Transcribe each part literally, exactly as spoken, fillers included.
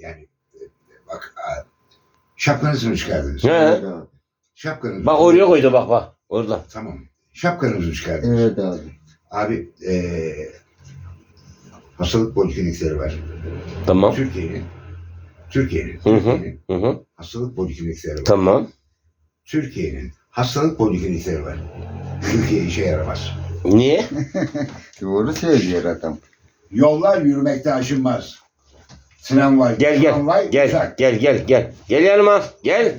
yani bak şapkanızı mı çıkardınız? He. Şapkanızı. Bak oraya koydu bak bak. Orada. Tamam. Şapkanızı mı çıkardınız? Evet abi. Abi eee hastalık poliklinikleri var. Tamam. Türkiye'nin Türkiye'nin Hı hı. Türkiye'nin Hı hı. hastalık poliklinikleri var. Tamam. Türkiye'nin hastalık poliklinikleri var. Türkiye işe yaramaz. Niye? Doğru söylüyor adam. Yollar yürümekte aşınmaz. Tramvay, Gel gel. tramvay, Gel uçak. gel gel gel. Gel yanıma. Gel.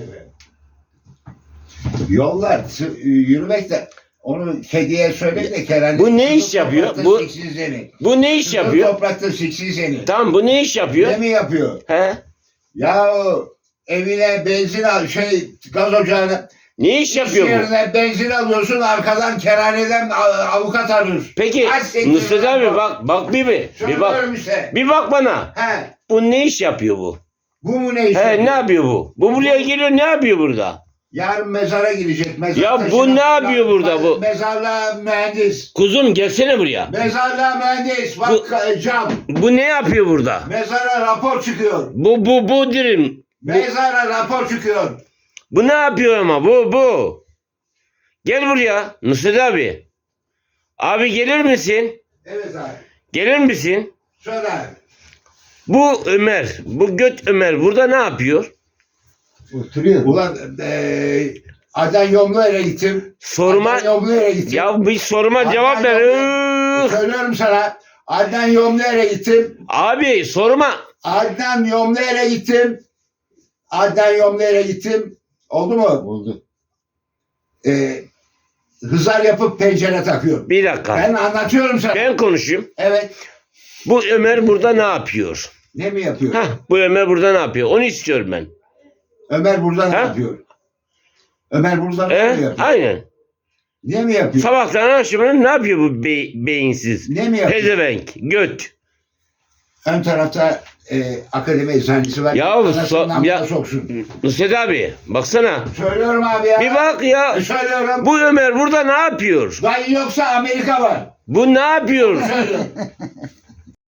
Yollar t- yürümekte. Onu kediye söyle de Kerem. Bu ne iş yapıyor? Bu- seni. Bu ne iş yapıyor? Toprakta siksin seni. Tamam bu ne iş yapıyor? Ne mi yapıyor? He? Ya evine benzin al, şey gaz ocağına. Ne iş yapıyor İş bu? yerine benzin alıyorsun, arkadan kerhaneden a- avukat arıyorsun. Peki Kaç sekiz Nusret yıl abi bak- bak bak bir bir. Bir bak. Söylüyorum işte. Bir bak bana. He. Bu ne iş yapıyor bu? Bu mu ne iş? He yapıyor? ne yapıyor bu? Bu buraya geliyor ne yapıyor burada? Yarın mezara gidecek. Mezar Ya bu taşına- ne yapıyor burada bu? Mezarlığa mühendis. Kuzum gelsene buraya. Mezarlığa mühendis. Bak Bu- cam. Bu ne yapıyor burada? Mezara rapor çıkıyor. Bu bu bu dirim. Bu, Mezara rapor çıkıyor. bu ne yapıyor ama bu bu. Gel buraya Nusret abi. Abi gelir misin? Evet abi. Gelir misin? Söyle abi. Bu Ömer, bu göt Ömer burada ne yapıyor? Oturuyor. Ulan eee Adnan Yomlu'ya gittim. Soruma Adnan Yomlu'ya gittim. ya bir soruma Adnan cevap ver. Yomlu- Ih! Söylüyorum sana. Adnan Yomlu'ya gittim. Abi soruma. Adnan Yomlu'ya gittim. Adnan Yomlu'ya gittim. Oldu mu? Oldu. Eee hızar yapıp pencere takıyor. Bir dakika. Ben anlatıyorum sana. Ben konuşayım. Evet. Bu Ömer burada ne yapıyor? Ne mi yapıyor? Hah, bu Ömer burada ne yapıyor? Onu istiyorum ben. Ömer burada ne Ha? yapıyor? Ömer burada ne E? mi yapıyor? Aynen. Ne mi yapıyor? Sabahtan akşamına ne yapıyor bu be- beyinsiz? Ne mi yapıyor? Pezevenk, göt. Ön tarafta e, akademi eczanesi var. Ya Anasının so- amına ya- soksun. Nusret abi baksana. Söylüyorum abi ya. Bir bak ya. E, Söylüyorum. Bu Ömer burada ne yapıyor? Dayı yoksa Amerika var. Bu ne yapıyor? Söylüyorum.